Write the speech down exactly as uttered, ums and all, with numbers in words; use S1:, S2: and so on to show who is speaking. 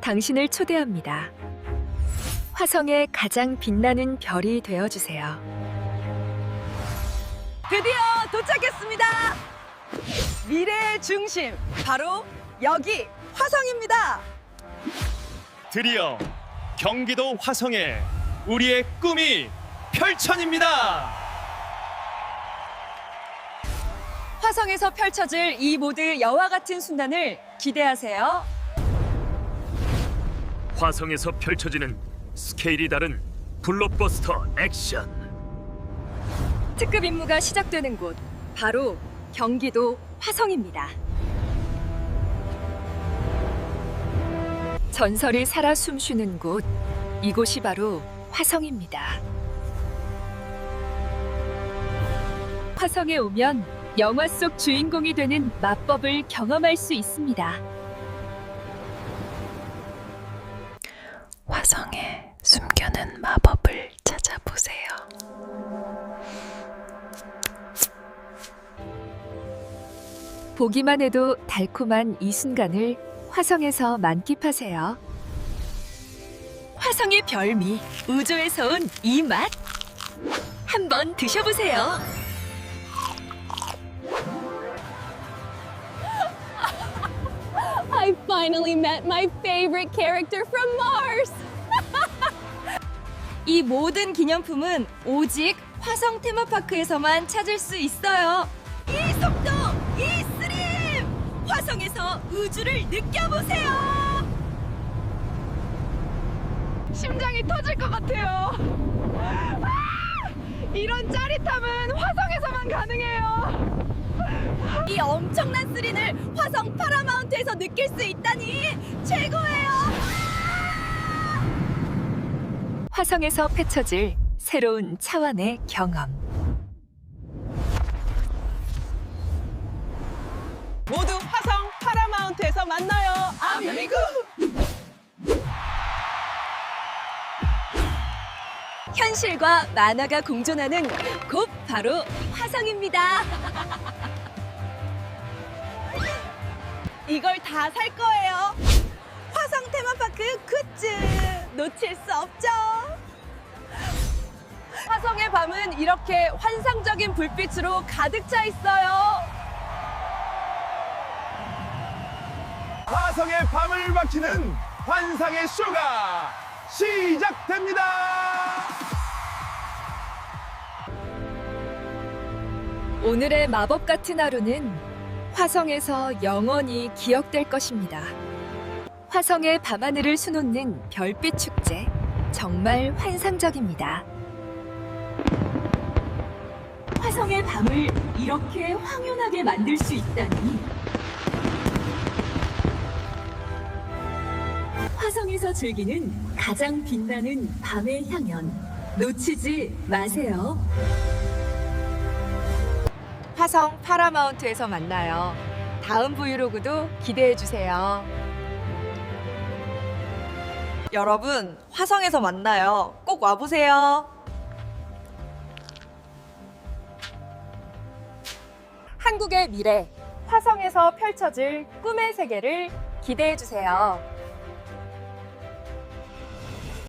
S1: 당신을 초대합니다. 화성의 가장 빛나는 별이 되어주세요.
S2: 드디어 도착했습니다. 미래의 중심, 바로 여기 화성입니다.
S3: 드디어 경기도 화성에 우리의 꿈이 펼쳐집니다.
S2: 화성에서 펼쳐질 이 모두 여와 같은 순간을 기대하세요.
S4: 화성에서 펼쳐지는 스케일이 다른 블록버스터 액션.
S2: 특급 임무가 시작되는 곳, 바로 경기도 화성입니다.
S1: 전설이 살아 숨쉬는 곳, 이곳이 바로 화성입니다. 화성에 오면 영화 속 주인공이 되는 마법을 경험할 수 있습니다.
S5: 화성에 숨겨놓은 마법을 찾아보세요.
S1: 보기만 해도 달콤한 이 순간을 화성에서 만끽하세요. 화성의 별미, 우주에서 온 이 맛, 한번 드셔보세요.
S6: I finally met my favorite character from Mars!
S2: 이 모든 기념품은 오직 화성 테마파크에서만 찾을 수 있어요. 이 속도, 이 스림! 화성에서 우주를 느껴보세요! 심장이 터질 것 같아요. 아! 이런 짜릿함은 화성에서만 가능해요. 이 엄청난 스릴을 화성 파라마운트에서 느낄 수 있다니 최고예요.
S1: 화성에서 펼쳐질 새로운 차원의 경험.
S7: 모두 화성 파라마운트에서 만나요. 아미고.
S2: 현실과 만화가 공존하는 곳 바로 화성입니다. 이걸 다 살 거예요. 화성 테마파크 굿즈 놓칠 수 없죠. 화성의 밤은 이렇게 환상적인 불빛으로 가득 차 있어요.
S3: 화성의 밤을 밝히는 환상의 쇼가 시작됩니다.
S1: 오늘의 마법 같은 하루는 화성에서 영원히 기억될 것입니다. 화성의 밤하늘을 수놓는 별빛 축제, 정말 환상적입니다. 화성의 밤을 이렇게 황홀하게 만들 수 있다니. 화성에서 즐기는 가장 빛나는 밤의 향연, 놓치지 마세요.
S2: 화성 파라마운트에서 만나요. 다음 브이로그도 기대해주세요. 여러분, 화성에서 만나요. 꼭 와보세요. 한국의 미래, 화성에서 펼쳐질 꿈의 세계를 기대해주세요.